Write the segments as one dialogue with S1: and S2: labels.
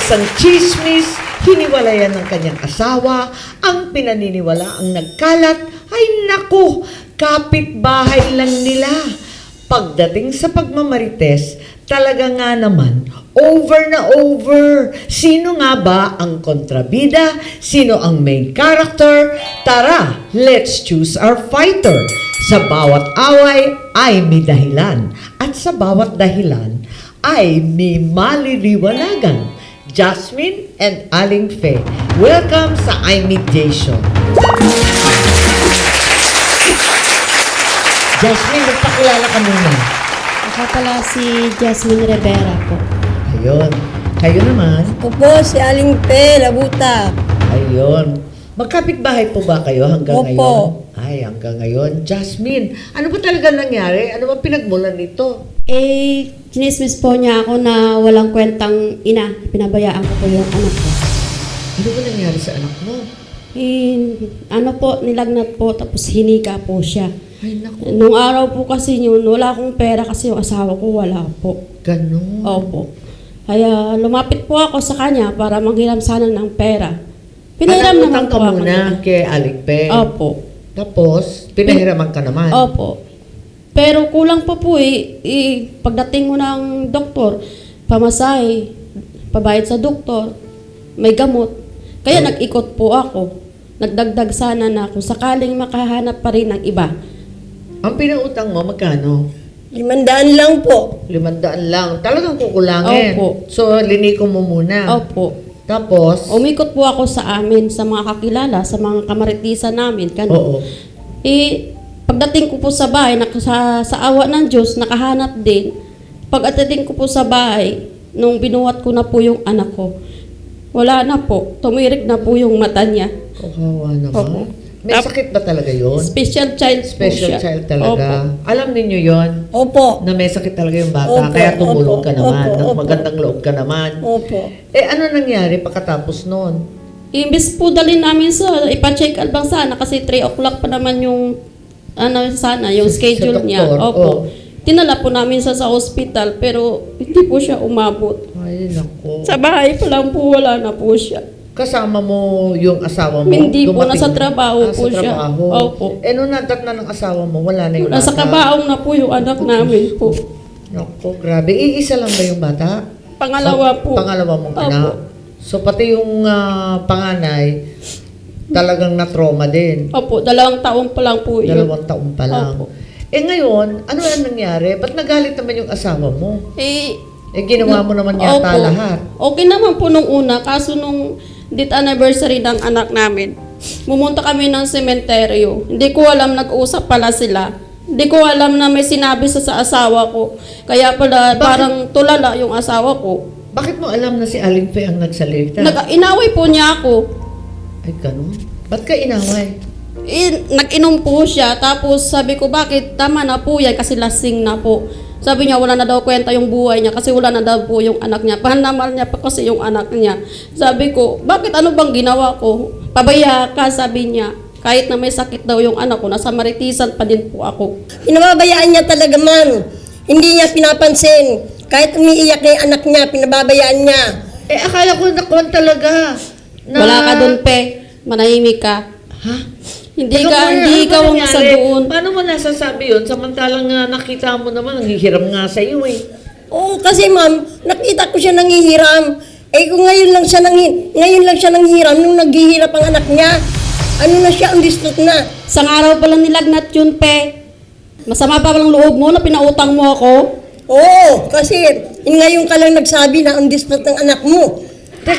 S1: isang chismis, hiniwalayan ng kanyang asawa, ang pinaniniwala ang nagkalat, ay naku, kapitbahay lang nila. Pagdating sa pagmamarites, talaga nga naman, over na over. Sino nga ba ang kontrabida? Sino ang main character? Tara, let's choose our fighter. Sa bawat away ay may dahilan. At sa bawat dahilan ay may maliliwanagan. Jasmine and Aling Fe. Welcome sa I Meet Jay Show. Jasmine, magpakilala ka muna.
S2: Ako pala si Jasmine Rivera po.
S1: Ayun. Kayo naman.
S3: Ako po si Aling Fe, Labuta.
S1: Ayun. Magkapit-bahay po ba kayo hanggang
S3: Opo.
S1: ngayon? Ay, hanggang ngayon. Jasmine, ano ba talaga nangyari? Ano ba pinagmulan nito?
S2: Chinismis po niya ako na walang kwentang ina. Pinabayaan ko po yung anak ko.
S1: Ano ba nangyari sa anak mo?
S2: Nilagnat po, tapos hinika po siya.
S1: Ay, naku.
S2: Nung araw po kasi yun, wala akong pera kasi yung asawa ko wala po.
S1: Ganun.
S2: Opo. Kaya lumapit po ako sa kanya para manghiram sana ng pera. Pinahiram naman
S1: Panangutang ka
S2: po ako.
S1: muna kay Aling Fe.
S2: Opo.
S1: Tapos, pinahiraman ka naman.
S2: Opo. Pero kulang pa po pagdating mo ng doktor, pamasahe, pabayad sa doktor, may gamot. Kaya nag-ikot po ako. Nagdagdag sana na kung sakaling makahanap pa rin ng iba.
S1: Ang pinautang mo, magkano?
S3: 500 lang po.
S1: 500 lang. Talagang kukulangin.
S2: Opo.
S1: So, liniko mo muna.
S2: Opo.
S1: Tapos,
S2: Umikot po ako sa amin, sa mga kakilala, sa mga kamaritisan namin.
S1: oo.
S2: Pagdating ko po sa bahay, sa awa ng Diyos, nakahanap din. Pagdating ko po sa bahay, nung binuhat ko na po yung anak ko, wala na po. Tumirik na po yung mata niya.
S1: Kawawa naman.
S2: Opo.
S1: May sakit ba talaga yun?
S2: Special child po
S1: Special
S2: siya.
S1: child talaga.
S2: Opo.
S1: Alam ninyo yon
S3: Opo.
S1: na may sakit talaga yung bata.
S3: Opo,
S1: Kaya tumulong
S3: opo,
S1: ka naman.
S3: opo, opo.
S1: Magandang loob ka naman.
S3: Opo.
S1: Ano nangyari pagkatapos nun?
S2: Imbis po dalhin namin ipa-check up lang sana kasi 3 o'clock pa naman yung yung
S1: Sa
S2: schedule niya.
S1: doktor,
S2: Opo.
S1: oh.
S2: Tinala po namin sa hospital pero hindi po siya umabot.
S1: Ay, naku.
S2: Sa bahay pa lang po wala na po siya.
S1: Kasama mo yung asawa mo?
S2: Hindi po,
S1: Dumating-
S2: nasa trabaho po
S1: sa
S2: siya.
S1: trabaho.
S2: Opo.
S1: Nung nadat na ng asawa mo, wala na yung
S2: Nasa
S1: bata?
S2: kabaong na po yung anak namin po.
S1: Naku, grabe. Iisa lang ba yung bata?
S2: Pangalawa po.
S1: Pangalawa mong
S2: Opo.
S1: anak? So, pati yung panganay, talagang na-trauma din.
S2: Opo, 2 taon pa lang po yun.
S1: 2 taon pa lang.
S2: Opo.
S1: Ngayon, ano ang nangyari? Ba't nagalit naman yung asawa mo? Ginawa mo naman yata
S2: Opo.
S1: lahat.
S2: Okay naman po nung una, kaso nung date anniversary ng anak namin, pumunta kami ng sementeryo. Hindi ko alam, nag-usap pala sila. Hindi ko alam na may sinabi sa asawa ko. Kaya pala, parang tulala yung asawa ko.
S1: Bakit mo alam na si Aling Fe ang nagsalita?
S2: Inaway po niya ako.
S1: Ay, ganun? Ba't ka inaway?
S2: Nag-inom po siya, tapos sabi ko, bakit? Tama na po yan, kasi lasing na po. Sabi niya, wala na daw kwenta yung buhay niya kasi wala na daw po yung anak niya. Pahanamal niya pa kasi yung anak niya. Sabi ko, bakit ano bang ginawa ko? Pabaya ka, sabi niya. Kahit na may sakit daw yung anak ko, nasa maritisan pa din po ako.
S3: Pinababayaan niya talaga, ma'am. Hindi niya pinapansin. Kahit umiiyak na yung anak niya, pinababayaan niya.
S1: Akala ko nakuhan talaga.
S2: Wala ka dun, Pe. Manahimik ka.
S1: Ha?
S2: Hindi
S1: Teka
S2: ka,
S1: muna,
S2: hindi
S1: ano
S2: ikaw
S1: ba
S2: ang
S1: nangyari?
S2: nasa doon.
S1: Paano mo nasasabi yun? Samantalang nakita mo naman, nanghihiram nga sa iyo eh.
S3: Oo, kasi ma'am, nakita ko siya nangihiram. Kung ngayon lang siya nanghihiram, nung naghihirap ang anak niya, ano na siya, ang distraught na.
S2: Isang araw pa lang nilagnat yun, Pe. Masama pa lang loob mo na pinautang mo ako.
S3: Oo, kasi ngayon ka lang nagsabi na ang distraught ng anak mo.
S1: Teka,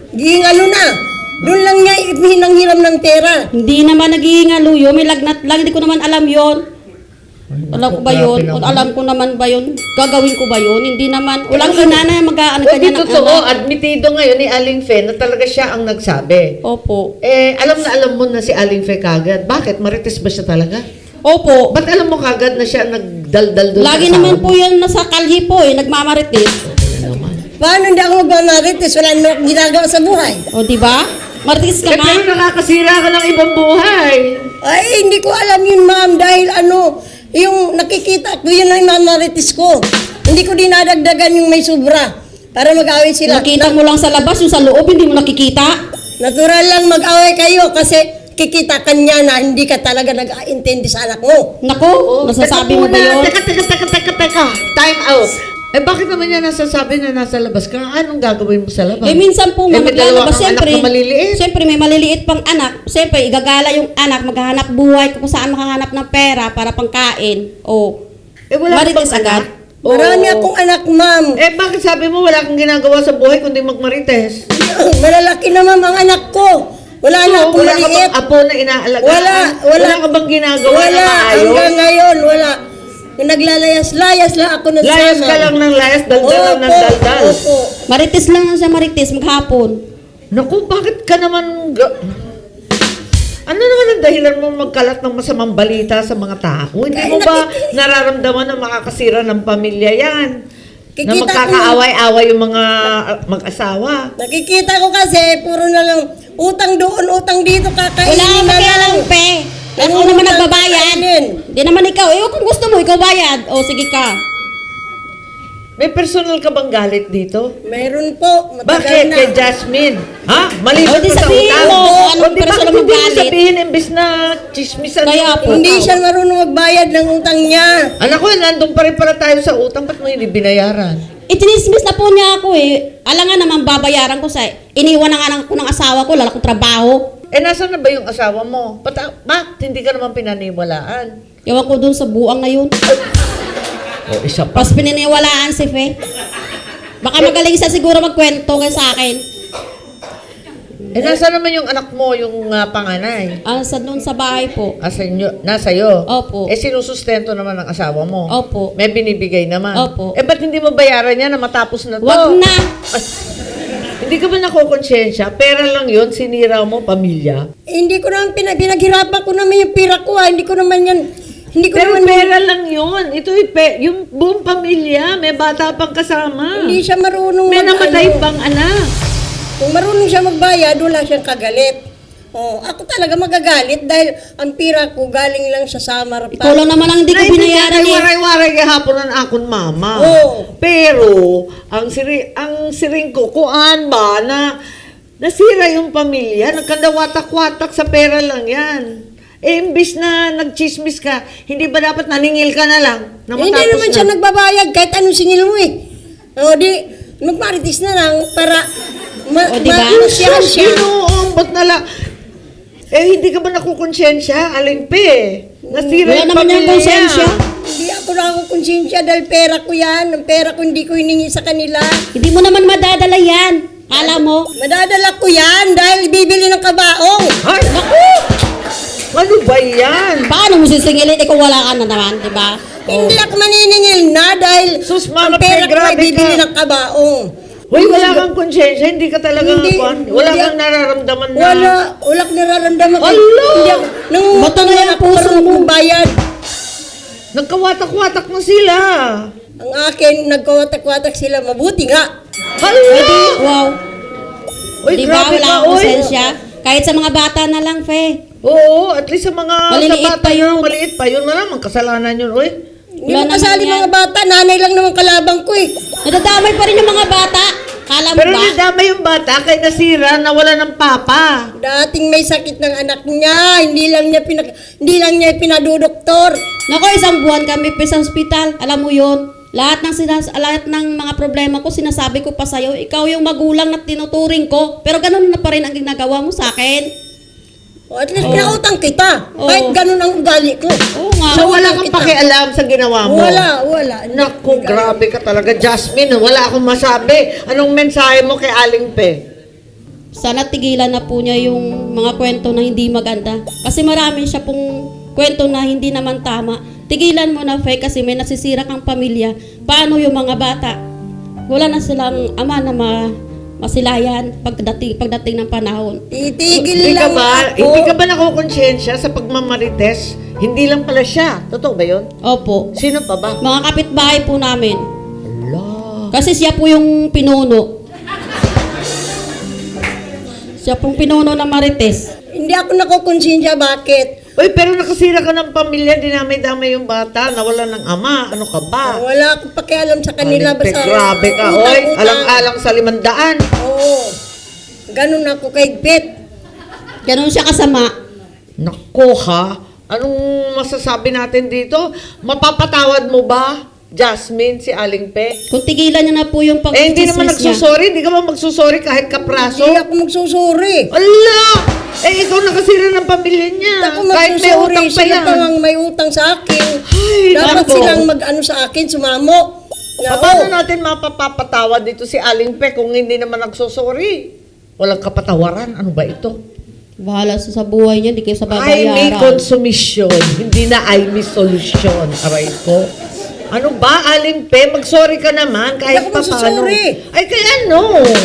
S3: Doon lang niya hinanghiram ng pera.
S2: Hindi naman naghihingalo yun. May lagnat lang. Hindi ko naman alam yon. Alam ko ba yun? O alam ko naman ba yun? Gagawin ko ba yun? Hindi naman. Walang ina na mag-aanag
S1: o
S2: kanya
S1: di
S2: ng
S1: totoo,
S2: anak.
S1: admitido ngayon ni Aling Fe na talaga siya ang nagsabi.
S2: Opo.
S1: Alam na alam mo na si Aling Fe kagad. Bakit? Marites ba siya talaga?
S2: Opo.
S1: Ba't alam mo kagad na siya nagdaldal doon
S2: Lagi
S1: sa
S2: naman
S1: asawa
S2: po yan nasa kalhi po Nagmamaritis.
S1: Ano naman?
S3: Paano hindi ako magmamarites? Wala na akong ginagawa sa buhay.
S2: O diba? Maritis ka nga.
S1: Pero nakakasira ka ng ibang buhay.
S3: Ay, hindi ko alam yun, ma'am. Dahil yung nakikita ko, yun ang mamarites ko. Hindi ko dinadagdagan yung may sobra. Para mag-away sila.
S2: Nakita mo lang sa labas, yung sa loob, hindi mo nakikita.
S3: Natural lang mag-away kayo kasi kikita ka niya na hindi ka talaga nag-aintindi sa anak mo.
S2: Nako, nasasabi mo ba yun?
S1: Teka. Time out. Eh bakit naman niya nasasabi na nasa labas ka? Anong gagawin mo sa labas?
S2: Eh minsan po,
S1: may dalawa
S2: maglalabas,
S1: kang anak
S2: siyempre,
S1: na maliliit.
S2: siyempre may maliliit pang anak. Siyempre, igagala yung anak, maghahanap buhay kung saan makahanap ng pera para pangkain. O,
S1: Eh wala ka
S2: marites
S1: bang
S2: agad.
S1: anak? Oo.
S3: Marami akong anak, ma'am.
S1: Eh bakit sabi mo wala kang ginagawa sa buhay kundi magmarites?
S3: Malalaki naman ang anak ko. Wala na akong
S1: wala ka
S3: maliit.
S1: bang apo na inaalagaan?
S3: Wala.
S1: Wala ka bang ginagawa
S3: Wala.
S1: na maayos?
S3: Hanggang ngayon, wala. Naglalayas-layas lang ako ng
S1: Layas ka lang ng layas, daldal lang ng daldal.
S3: Opo.
S2: Marites lang siya, marites, maghapon.
S1: Naku, bakit ka naman... Ano naman ang dahilan mo magkalat ng masamang balita sa mga tao? Hindi mo ba nararamdaman na makakasira ng pamilya yan? Na
S3: Kikita
S1: magkakaaway-away yung mga mag-asawa?
S3: Nakikita ko kasi, puro na lang utang doon, utang dito,
S2: Wala
S3: kakainin
S2: kang
S3: na
S2: pakialam,
S3: lang.
S2: pe. Ako
S3: Nangungutang
S2: naman nagbabayad.
S3: kainin.
S2: Di naman ikaw. Eh, kung gusto mo, ikaw bayad. O, sige ka.
S1: May personal ka bang galit dito?
S3: Meron po, matagal
S1: Bakit?
S3: na.
S1: Kay Jasmine? Ha? Maliban
S2: O, di
S1: pa sa
S2: sabihin
S1: utang?
S2: mo kung anong
S1: O, di
S2: personal
S1: bakit
S2: mong
S1: hindi mo
S2: galit?
S1: sabihin imbis na chismisan
S2: Kaya
S1: mo?
S2: po.
S3: Hindi siya marunong magbayad ng utang niya.
S1: Anak ko, nandun pa rin pala tayo sa utang. Ba't mo hindi binayaran?
S2: Itinismis na po niya ako eh. Alam nga naman babayaran ko sa... Iniwan na nga ko ng asawa ko, lala kong trabaho.
S1: Eh, nasaan na ba yung asawa mo? Ba't hindi ka naman pinaniwalaan?
S2: Ewan ko dun sa buang na yun.
S1: O, isa pa.
S2: Pas pininiwalaan si Fe. Baka magaling siya siguro magkwento kay sa akin.
S1: Eh, nasaan naman yung anak mo, yung panganay?
S2: Sa doon sa bahay po.
S1: Nasa iyo?
S2: Opo.
S1: Eh, sinusustento naman ng asawa mo?
S2: Opo.
S1: May binibigay naman?
S2: Opo.
S1: Eh, ba't hindi mo bayaran yan na matapos na to?
S2: Wag na.
S1: Hindi ka ba nakukonsensya? Pera lang yun, sinira mo, pamilya.
S3: Hindi ko naman pinaghirapan ko naman yung pira ko Hindi ko naman yan, hindi ko
S1: Pero
S3: naman,
S1: pera lang yun. Ito yung buong pamilya, may bata pang kasama.
S3: hindi siya marunong
S1: May namatay
S3: ano.
S1: pang anak.
S3: Kung marunong siya magbayad, wala siyang kagalit. Ako talaga magagalit dahil ang pira ko galing lang sa Samar
S2: Ikaw lang naman ang hindi ko binayaran eh.
S1: Waray-waray gahapon ng akon mama.
S3: Oo.
S1: Pero, ang siring ko, kuan ba na nasira yung pamilya, nagkandawatak-watak sa pera lang yan. Eh, imbis na nagchismis ka, hindi ba dapat naningil ka na lang? Na
S3: Hindi
S1: matapos
S3: naman
S1: na?
S3: siya nagbabayad kahit anong singil mo eh. Magmaritis na lang para
S2: O, diba?
S3: malusyahan siya.
S1: Inuumbot na lang. Eh, hindi ka ba nakukonsensya? Aling pe. Nasira
S2: Wala
S1: yung
S2: naman yung
S1: pamilya.
S2: konsensya.
S3: Hindi ako nakakonsensya dahil pera ko yan. Ang pera ko hindi ko hiningi sa kanila.
S2: Hindi mo naman madadala yan. Alam mo?
S3: Madadala ko yan dahil bibili ng kabaong.
S1: Ay, naku! Ano ba yan?
S2: Paano mo sisingilin? Ikaw wala ka na naman, di ba?
S3: Hindi ako maniningil na dahil
S1: Sus,
S3: ang
S1: Mama,
S3: pera ko ay
S1: grabe
S3: bibili
S1: ka.
S3: ng kabaong.
S1: Hoy, wala kang konsensya, hindi ka talaga
S3: Hindi,
S1: wala
S3: hindi
S1: kang
S3: ako-
S1: nararamdaman na.
S3: Wala akong nararamdaman.
S1: Ala!
S3: Hindi ako, nangungutang
S2: Ba't ano
S3: na
S2: yung
S3: ako
S2: puso
S3: marunong
S2: mo?
S3: magbayad.
S1: Nagkawatak-watak na sila.
S3: Ang akin, nagkawatak-watak sila. Mabuti nga.
S1: Hala!
S2: Wow.
S1: Uy,
S2: Di ba?
S1: grabe
S2: Wala
S1: ka,
S2: akong
S1: oy.
S2: konsensya. Kahit sa mga bata na lang, Fe.
S1: Oo, at least sa mga
S2: Maliliit
S1: sa bata
S2: pa yun.
S1: yun, maliit pa yun na naman, kasalanan yun, oy.
S3: Hindi
S2: Wala
S3: mo kasali
S2: naman yan.
S3: mga bata. Nanay lang naman kalabang ko eh.
S2: Nadadamay pa rin yung mga bata. Kala mo
S1: Pero
S2: ba?
S1: nadama yung bata kay nasira na wala ng papa.
S3: Dating may sakit ng anak niya. Hindi lang niya pinadudoktor.
S2: Nako, isang buwan kami pa sa ospital. Alam mo yun? Lahat ng mga problema ko, sinasabi ko pa sa'yo. Ikaw yung magulang na tinuturing ko. Pero ganun na pa rin ang ginagawa mo sa akin.
S3: O, at least pinautang kita.
S2: Oo.
S3: Kahit ganun ang ugali ko.
S2: Oo nga.
S1: So wala kang
S3: kita.
S1: pakialam sa ginawa mo.
S3: Wala.
S1: Naku, grabe ka talaga, Jasmine. Wala akong masabi. Anong mensahe mo kay Aling Pe?
S2: Sana tigilan na po niya yung mga kwento na hindi maganda. Kasi marami siya pong kwento na hindi naman tama. Tigilan mo na, Fe, kasi may nasisira kang pamilya. Paano yung mga bata? Wala na silang ama na masilayan pagdating ng panahon.
S3: Titigil lang ako.
S1: Hindi ka ba nakukonsensya sa pagmamarites? Hindi lang pala siya. Totoo ba yun?
S2: Opo.
S1: Sino pa ba?
S2: Mga kapitbahay po namin.
S1: Ala.
S2: Kasi siya po yung pinuno. Siya pong pinuno ng Marites.
S3: Hindi ako nakukonsensya bakit.
S1: Uy, pero nakasira ka ng pamilya, dinamay-damay yung bata, nawala ng ama, ano ka ba?
S3: Wala akong pakialam sa kanila.
S1: Aling Pe,
S3: Basta
S1: grabe ka,
S3: utang,
S1: oy,
S3: utang.
S1: alang-alang sa 500.
S3: Oo. Ganun ako kay Bet.
S2: Ganun siya kasama.
S1: Nako ha, anong masasabi natin dito? Mapapatawad mo ba, Jasmine, si Aling Pe?
S2: Kung tigilan niya na po yung
S1: Hindi naman
S2: pag-chismis niya.
S1: nagsusorry, hindi ka ba magsusorry kahit kapraso?
S3: Hindi ako magsusuri.
S1: Ala! Ikaw nakasira ng pamilya niya.
S3: Ako
S1: Kahit may
S3: magsusuri.
S1: utang pa
S3: Sila
S1: yan.
S3: pa ang may utang sa akin.
S1: Ay,
S3: Dapat
S1: nako.
S3: silang mag-ano sa akin, sumamo. Na,
S1: Paano
S3: oh,
S1: natin mapapatawad dito si Aling Pe kung hindi naman nagsusorry? Walang kapatawaran. Ano ba ito?
S2: Bahala sa buhay niya, hindi kayo sa
S1: Ay, may
S2: babayaran.
S1: konsumisyon. Hindi na ay may solusyon. Aray ko. Ano ba, Aling Pe? Mag-sorry ka naman kahit
S3: Hindi ako
S1: pa paano.
S3: magsusorry.
S1: Ay, kaya ano?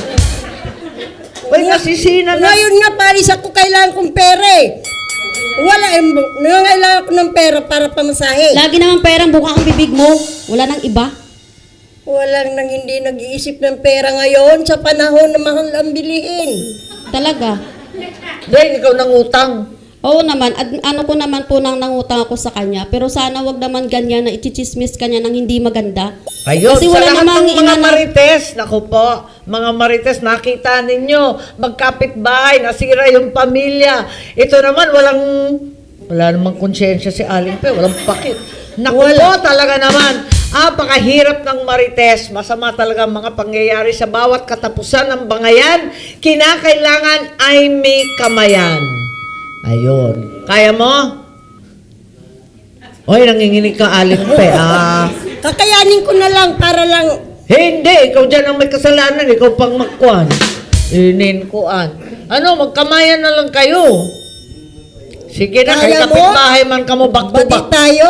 S1: Uy, nasisina na.
S3: ngayon nga, Paris, ako kailangan kong pera eh. Wala, nangangailangan ko ng pera para pamasahe.
S2: Lagi naman perang buka ang bibig mo. Wala nang iba.
S3: Walang nang hindi nag-iisip ng pera ngayon sa panahon na mahal ang bilihin.
S2: Talaga.
S1: Dahil ikaw nangutang.
S2: Oo naman, ano ko naman po nang nangutang ako sa kanya. Pero sana wag naman ganyan na ichichismis kanya ng hindi maganda.
S1: Ayun,
S2: Kasi
S1: sa
S2: wala
S1: lahat
S2: namang
S1: ng mga
S2: inana-
S1: marites, naku po, mga marites, nakita ninyo, magkapit-bahay, nasira yung pamilya. Ito naman, wala namang konsyensya si Aling Pe, walang pakit. Naku po, talaga naman, apakahirap ng marites, masama talaga ang mga pangyayari sa bawat katapusan ng bangayan, kinakailangan ay may kamayan. Ayun. Kaya mo? Oy, nanginginig ka, Aling Pe,
S3: Kakayanin ko na lang para lang.
S1: Hindi, ikaw dyan ang may kasalanan, ikaw pang magkuhan. Ininkuan. Ano, magkamayan na lang kayo. Sige na, kay
S3: Kaya mo?
S1: kapitbahay man ka mo back to
S3: Bati
S1: back.
S3: tayo.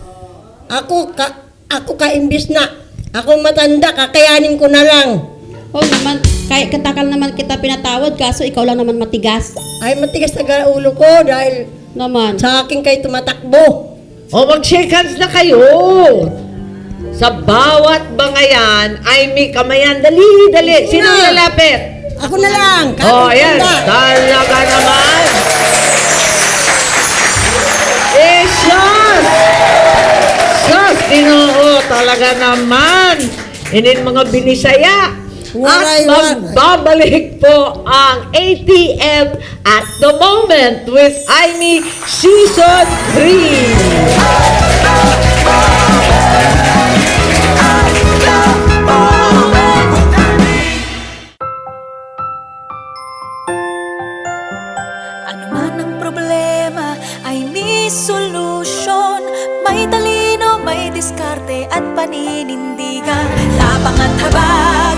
S3: Ako imbis na. Ako matanda, kakayanin ko na lang.
S2: Oo naman, kahit katakal naman kita pinatawad, kaso ikaw lang naman matigas.
S3: Ay, matigas na ulo ko dahil
S2: Naman.
S3: sa akin kayo tumatakbo.
S1: O mag-shake hands na kayo. Sa bawat bangayan ay may kamayan. Dali, dali. Sino
S3: Na.
S1: lalapit?
S3: Ako na lang.
S1: Oh,
S3: Kapit
S1: ayan.
S3: tanda.
S1: Talaga naman. Sus! Sus, Ginoo, talaga naman. Inin mga binisaya.
S3: Waray,
S1: At magbabalik po ang ATM at the moment with Aimee Season 3.
S4: Ano man ang problema ay may solusyon. May talino, may diskarte at paninindigan. Tapang at habag